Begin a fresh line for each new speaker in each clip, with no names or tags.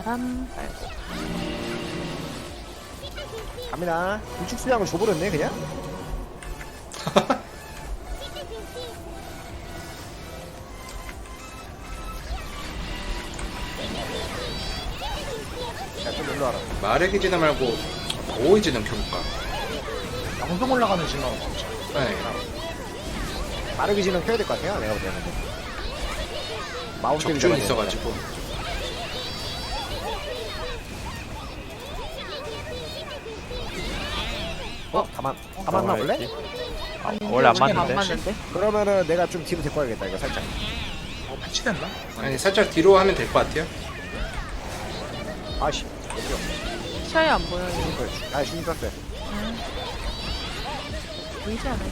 바람 빨고.
갑니다. 우측 수량을 줘버렸네 그냥. 야좀 일로 와라.
말의 기지나 말고 오이 지능 켜볼까?
양동 올라가는 신호는 없죠.
네.
빠르게 지는 켜야 될 것 같아요 내가 볼 때는. 마운트
적중이 있어가지고.
가만 나볼래?
안
원래 안 맞는데?
맞는데?
그러면은 내가 좀 뒤로 데리고 가야겠다 이거 살짝.
패치됐나?
아니 살짝 뒤로 하면 될 것 같아요.
아씨 어디요?
시야에 안 보여. 이거.
아 중립 떴어요.
보이지 않아요.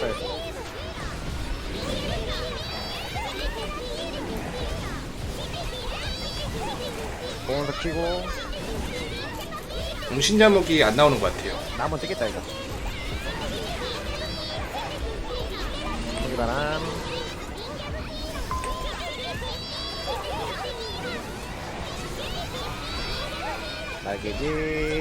공원도 키고
공신자목이 안 나오는 것 같아요.
나무는 뜨겠다 이거. 여기 바람. 날개지.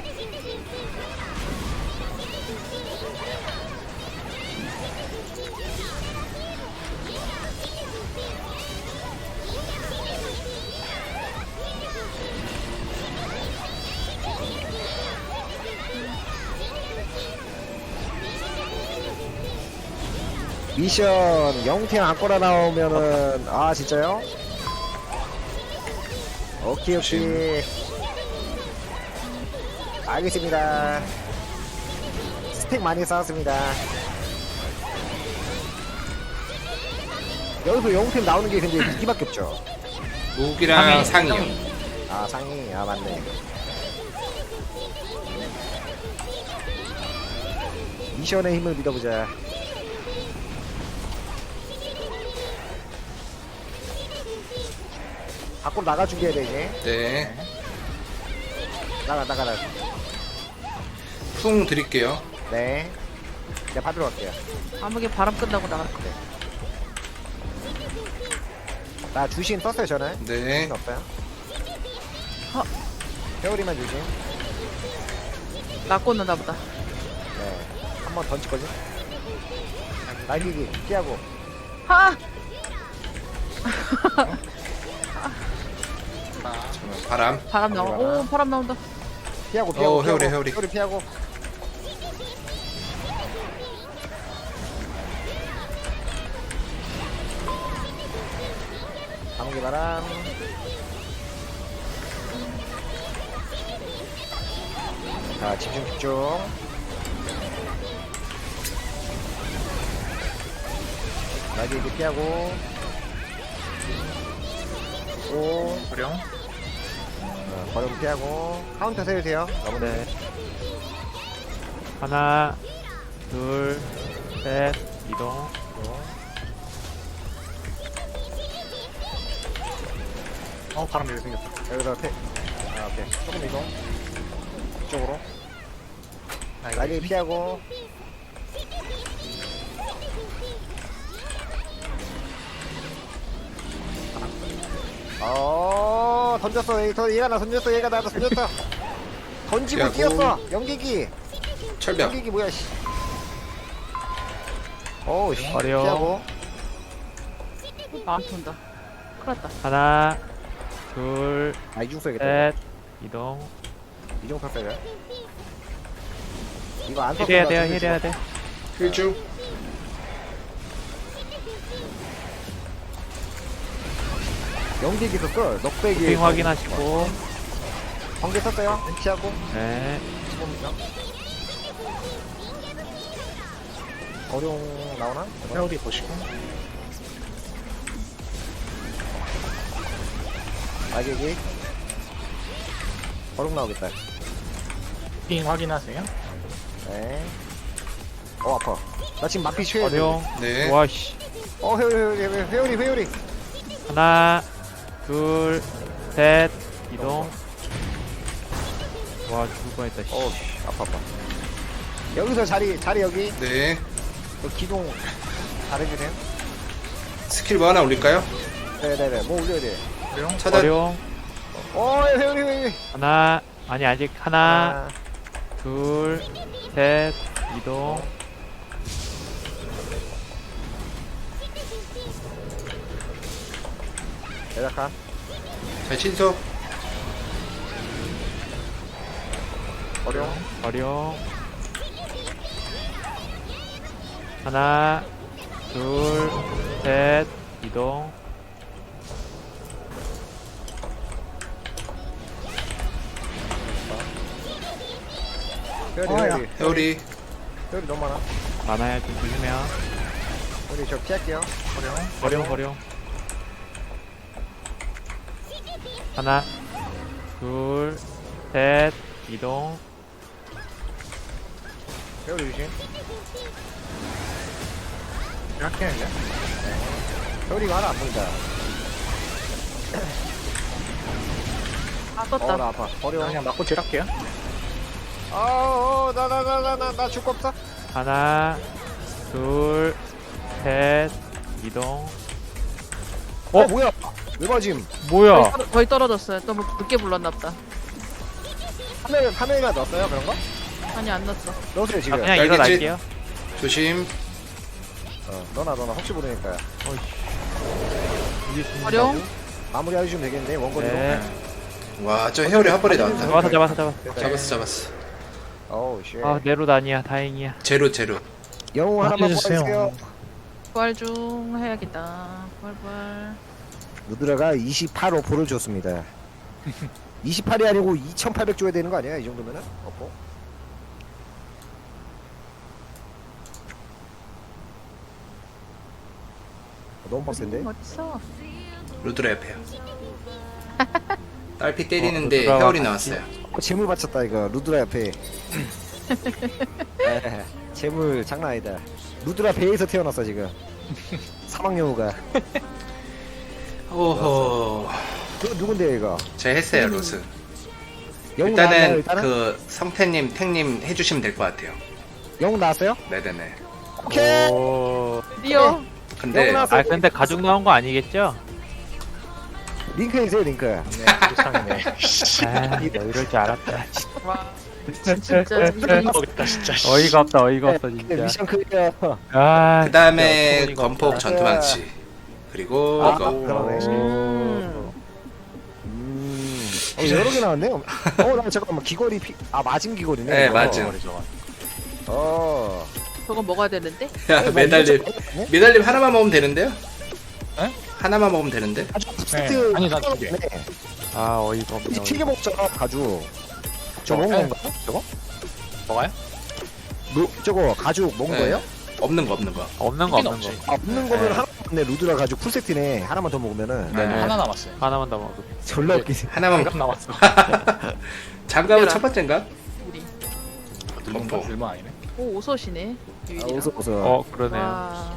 미션 영팀 안꼬라 나오면은 아 진짜요? 오케이 오케이 알겠습니다. 스택 많이 쌓았습니다. 여기서 영팀 나오는 게 근데 무기밖에 없죠.
무기랑 상이요.
아 상이 아 맞네. 미션의 힘을 믿어보자. 밖으로 나가 준비해야 돼 이제.
네.
나가.
풍 드릴게요.
네. 내가 받으러 갈게요.
아무게 바람 끝나고 나갈 거야.
나 주신 떴어요 저는.
네.
주신 없어요.
어.
회오리만 주신.
나 꽂는다 보다.
네. 한 번 던질 거지. 날개기 피하고.
하!
잠깐만, 바람.
바람 나와. 오, 바람 나온다.
피하고.
회오리.
회오리 피하고. 감기 바람. 자 집중. 날개기 피하고. 오.
어령.
버리고 피하고. 카운터 세우세요. 너무
네. 하나, 둘, 셋, 이동.
바람 여기 생겼다.
여기서 오케이. 조금 이동. 이쪽으로. 날개 피하고. 던졌어. 얘가 나 던졌어. 얘가 나 던졌어. 던지고
피하고.
뛰었어. 연기기.
철벽.
연기기 뭐야, 씨. 어우, 씨.
어려.
피하고.
나한테 온다. 큰일 났다.
하나, 둘,
아, 이중 써야겠다.
셋, 이동.
이중 썼어야 이거 안 썼어.
힐해야 돼요, 힐해야 돼.
필중.
연기기 썼어. 넉배기.
빙 확인하시고.
번개 썼어요. 피하고.
네.
어룡 나오나?
회오리 보시고.
날개기. 어룡 나오겠다.
핑 확인하세요.
네. 아파. 나 지금 마피 취해.
어룡.
네.
와씨.
회오리.
하나, 둘, 셋, 이동. 와, 죽을 뻔했다, 씨.
아파. 여기서 자리 여기.
네.
기동 잘해주세요.
스킬 뭐 하나 올릴까요?
네네네. 뭐 올려야 돼.
어령.
차단.
어룡.
회오리.
하나, 아니, 아직 하나, 둘, 셋, 이동.
대략한.
자, 신속.
어려워.
어룡. 하나, 둘, 셋, 이동.
회오리.
회오리.
회오리 너무 많아.
많아야 좀 조심해요.
우리 저 피할게요.
어룡, 어룡. 하나, 둘, 셋, 이동.
회오리 유신.
이렇게 이제.
회오리가 하나 안 보인다.
아 떴다.
나 아파. 어려워.
그냥 맞고 딜할게요.
나 죽고 없어.
하나, 둘, 셋, 이동.
뭐야? 왜 맞임?
뭐야?
거의 떨어졌어요. 너무 늦게 불렀나 보다.
화면에만 넣었어요 그런 거?
아니 안 넣었어.
넣으세요
아,
지금.
그냥
알겠지?
일어날게요.
조심.
너나 혹시 모르니까
어룡.
마무리 해주시면 되겠는데 원거리로.
네.
와, 저 회오리 한 번에 나왔다.
잡았어.
잡았어.
어우 쉣.
아, 내로 다니야. 다행이야.
제로.
영웅 하나만
해주세요.
뽑아주세요.
부활 중 해야겠다. 부활.
누드라가 28호포를 줬습니다. 28이 아니고 2800 줘야 되는 거 아니야 이 정도면은? 어포? 너무 빡센데?
어딨어?
루드라 옆에요. 딸피 때리는데
루드라와
회오리
같이.
나왔어요.
재물 바쳤다 이거 루드라 옆에. 재물 장난 아니다. 루드라 배에서 태어났어 지금. 사막여우가.
오호.
누군데요 이거?
제가 했어요, 로스.
영웅 나왔나요
일단은
일단은?
그 성태님, 탱님 해주시면 될 것 같아요.
영웅 나왔어요?
네네네.
오케이.
오.
리오.
근데
영웅 나왔어.
아, 근데 가죽 나온 거 아니겠죠?
링크 해주세요 링크.
네, 부상이네.
아, 너 이럴 줄 알았다.
와. 진짜
모르겠다 진짜.
어이가 없다, 어이가 진짜.
미션 클리어.
아,
그 다음에
진짜 어이가
건폭
없다.
전투망치. 그리고
아,
이거.
그러네. 여러 개 나왔네. 나 잠깐만 귀걸이 맞은 귀걸이네.
네,
이거.
맞음.
저거 먹어야 되는데?
야, 메달림 하나만 먹으면 되는데요?
에?
하나만 먹으면 되는데?
아주
네.
세트.
아니, 나 두 개.
아, 어이가 없네.
튀겨 먹잖아 가죽. 저거 먹는
네.
건가? 저거?
뭐가요?
저거 가죽 먹는
네.
거예요?
없는 거.
없는 거,
없긴
없는
없지.
거.
없는 거면
네.
하나 맞네. 루드라 가죽 풀 세트네. 하나만 더 먹으면은
네.
하나 남았어요.
하나만 더 먹어.
졸라 웃기지.
하나만
방금 남았어.
장갑은 첫 번째인가?
우리.
건폭.
얼마 아니네.
오 오소시네. 유일이랑.
웃어.
어, 그러네요.
와.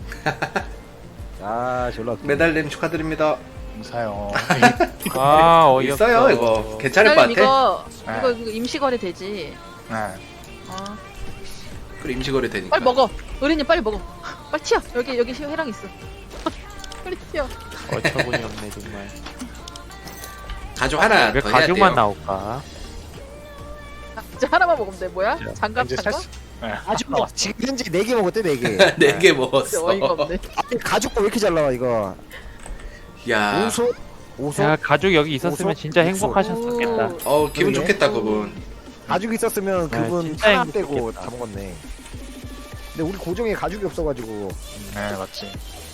졸라 웃기.
메달림 축하드립니다.
감사해요.
아, 어이없어.
있어요, 이거. 괜찮을 것 같아.
이거 임시거래 되지.
네.
아.
그리고 임시거래 되니까.
빨리 먹어. 의리님 빨리 먹어. 빨리 튀어. 여기 회랑 있어. 빨리 튀어.
어처구니 없네, 정말.
가죽 하나
왜
더 해야
가죽만
돼요.
나올까?
진짜 하나만 먹으면 돼. 뭐야? 장갑
이제
장갑?
살 수. 네.
가죽
나왔어.
지금 현재 4개 먹었대 4개.
4개
진짜
먹었어.
어이가 없네.
가죽 거왜 이렇게 잘 나와 이거?
야,
오소?
야, 가죽 여기 있었으면
오소?
진짜
오소.
행복하셨겠다.
기분
그러게.
좋겠다, 그분.
가죽 있었으면
네,
그분
진짜
하나
행복했겠다.
빼고 다 먹었네. 근데 우리 고정에 가죽이 없어가지고.
네, 맞지.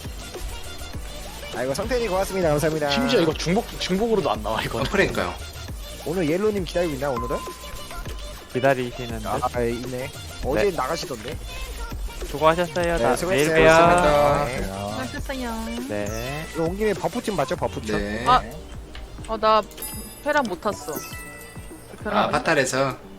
이거 성태님 고맙습니다. 감사합니다.
심지어 이거 중복으로도 안 나와 이거.
그러니까요.
오늘 옐로님 기다리고 있나 오늘은?
기다리시는데.
있네. 어제 나가시던데.
수고하셨어요.
네,
나
수고했어요.
내일 봬요.
수고하셨습니다.
네.
수고하셨어요.
네.
이거 온 김에 버프팀 맞죠? 버프팀.
네.
아. 나 회랑 못 탔어.
아, 파탈에서.